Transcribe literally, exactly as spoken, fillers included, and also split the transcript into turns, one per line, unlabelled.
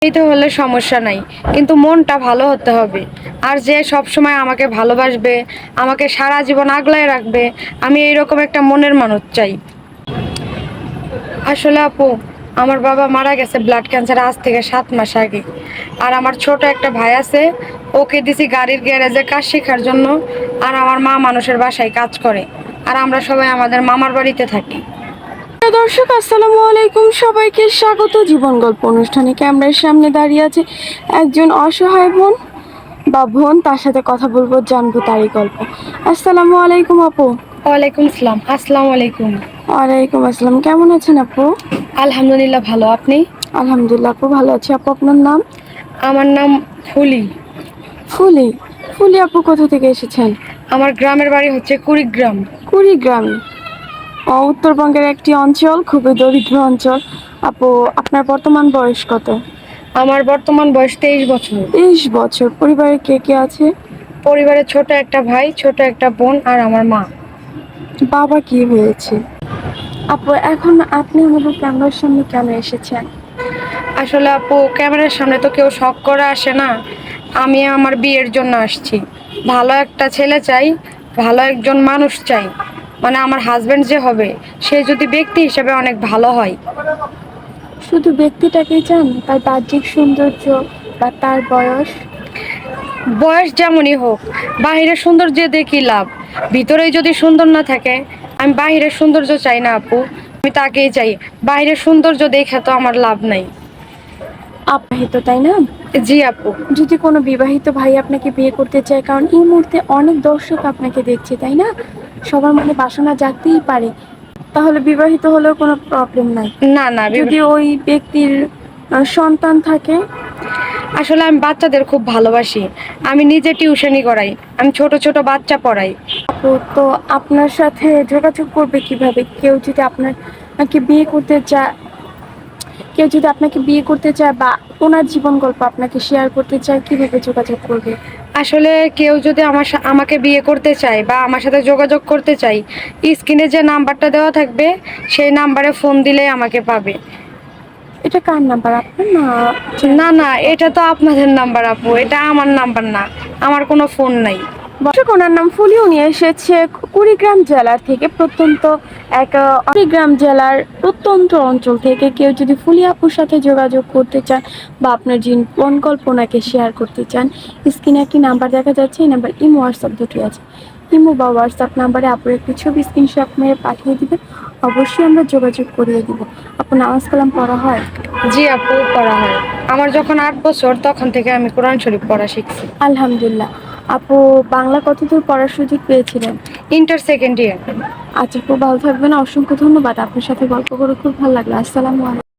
এইতে হলে সমস্যা নাই, কিন্তু মনটা ভালো হতে হবে। আর যে সব সময় আমাকে ভালোবাসবে, আমাকে সারা জীবন আগলায় রাখবে, আমি এইরকম একটা মনের মানুষ চাই। আসলে আপু, আমার বাবা মারা গেছে ব্লাড ক্যান্সার আজ থেকে সাত মাস আগে। আর আমার ছোট একটা ভাই আছে, ওকে দিছি গাড়ির গ্যারেজে কাজ শেখার জন্য। আর আমার মা মানুষের বাসায় কাজ করে, আর আমরা সবাই আমাদের মামার বাড়িতে থাকি।
দর্শক আসসালামু আলাইকুম, সবাইকে স্বাগত জীবন গল্প অনুষ্ঠানে। ক্যামেরার সামনে দাঁড়িয়ে আছে একজন অসহায় বোন বা বোন, তার সাথে কথা বলবো, জানবো তারই গল্প। আসসালামু আলাইকুম আপু।
ওয়ালাইকুম আসসালাম। আসসালামু আলাইকুম।
ওয়ালাইকুম আসসালাম, কেমন আছেন আপু?
আলহামদুলিল্লাহ, ভালো। আপনি?
আলহামদুলিল্লাহ আপু, ভালো আছি আপু। আপনার নাম?
আমার নাম ফুলি।
ফুলি। ফুলি আপু, কোথা থেকে এসেছেন?
আমার গ্রামের বাড়ি হচ্ছে কুড়িগ্রাম।
কুড়িগ্রাম ও উত্তরবঙ্গের একটি অঞ্চল, খুবই দরিদ্র অঞ্চল। আপু, আপনার বর্তমান বয়স কত?
আমার বর্তমান বয়স তেইশ বছর।
তেইশ বছর। পরিবারে কে কে আছে?
পরিবারে ছোট একটা ভাই, ছোট একটা বোন, আর আমার মা।
বাবা কি হয়েছে? আপু, এখন আপনি আমাদের ক্যামেরার সামনে কেন এসেছেন?
আসলে আপু, ক্যামেরার সামনে তো কেউ শখ করে আসে না। আমি আমার বিয়ের জন্য আসছি। ভালো একটা ছেলে চাই, ভালো একজন মানুষ চাই। মানে আমার হাজবেন্ড যে হবে, সে যদি ব্যক্তি হিসেবে অনেক ভালো হয়।
শুধু ব্যক্তিটাকেই চান, তার বাহ্যিক সৌন্দর্য বা তার বয়স?
বয়স যেমনই হোক, বাহিরের সৌন্দর্য দেখি লাভ, ভিতরেই যদি সুন্দর না থাকে। আমি বাহিরের সৌন্দর্য চাই না আপু, আমি তাকেই চাই। বাহিরের সৌন্দর্য দেখে তো আমার লাভ নাই।
বিবাহিত, তাই না?
জি আপু।
যদি কোনো বিবাহিত ভাই আপনাকে বিয়ে করতে চায়, কারণ এই মুহূর্তে অনেক দর্শক আপনাকে দেখছে, তাই না? সবার মনে বাসনা জাগতেই পারে, তাহলে বিবাহিত হলেও কোনো প্রবলেম নাই।
না না,
যদি ওই ব্যক্তির আহ, সন্তান থাকে?
আসলে আমি বাচ্চাদের খুব ভালোবাসি। আমি নিজে টিউশনি করাই, আমি ছোট ছোট বাচ্চা পড়াই।
আপু, তো আপনার সাথে যোগাযোগ করবে কিভাবে? কেউ যদি আপনাকে বিয়ে করতে চায় কেউ যদি আপনাকে বিয়ে করতে চায় বা ওনার জীবন গল্প আপনাকে শেয়ার করতে চায়, কিভাবে যোগাযোগ করবে?
আসলে কেউ যদি আমার সা- আমাকে বিয়ে করতে চায় বা আমার সাথে যোগাযোগ করতে চায়, স্ক্রিনে যে নাম্বারটা দেওয়া থাকবে, সেই নাম্বারে ফোন দিলেই আমাকে পাবে।
এটা কার নাম্বার, আপনার না?
না না, এটা তো আপনাদের নাম্বার আপু, এটা আমার নাম্বার না। আমার কোনো ফোন নাই।
দর্শক, ওনার নাম ফুলি। উনি এসেছে কুড়িগ্রাম জেলার থেকে, প্রত্যন্ত এক আহ, কুড়িগ্রাম জেলার প্রত্যন্ত অঞ্চল থেকে। কেউ যদি ফুলি আপুর সাথে যোগাযোগ করতে চান বা আপনার জীবন কল্পনাকে শেয়ার করতে চান, স্ক্রিনে একটি নাম্বার দেখা যাচ্ছে, এই নাম্বার ইমো হোয়াটসঅ্যাপ দুটি আছে। ইমো বা হোয়াটসঅ্যাপ নাম্বারে আপুর একটি ছবি স্ক্রিনশট মেরে পাঠিয়ে দিবেন, অবশ্যই আমরা যোগাযোগ করিয়ে দিব। আপু, নামাজ কালাম পড়া হয়?
জি আপু, পড়া হয়। আমার যখন আট বছর তখন থেকে আমি কোরআন শরীফ পড়া শিখছি।
আলহামদুলিল্লাহ। আপু, বাংলা কতদূর পড়ার সুযোগ পেয়েছিলেন?
Inter second year.
আচ্ছা, খুব ভালো থাকবেন। অসংখ্য ধন্যবাদ। আপনার সাথে গল্প করে খুব ভালো লাগলো। আসসালামু আলাইকুম।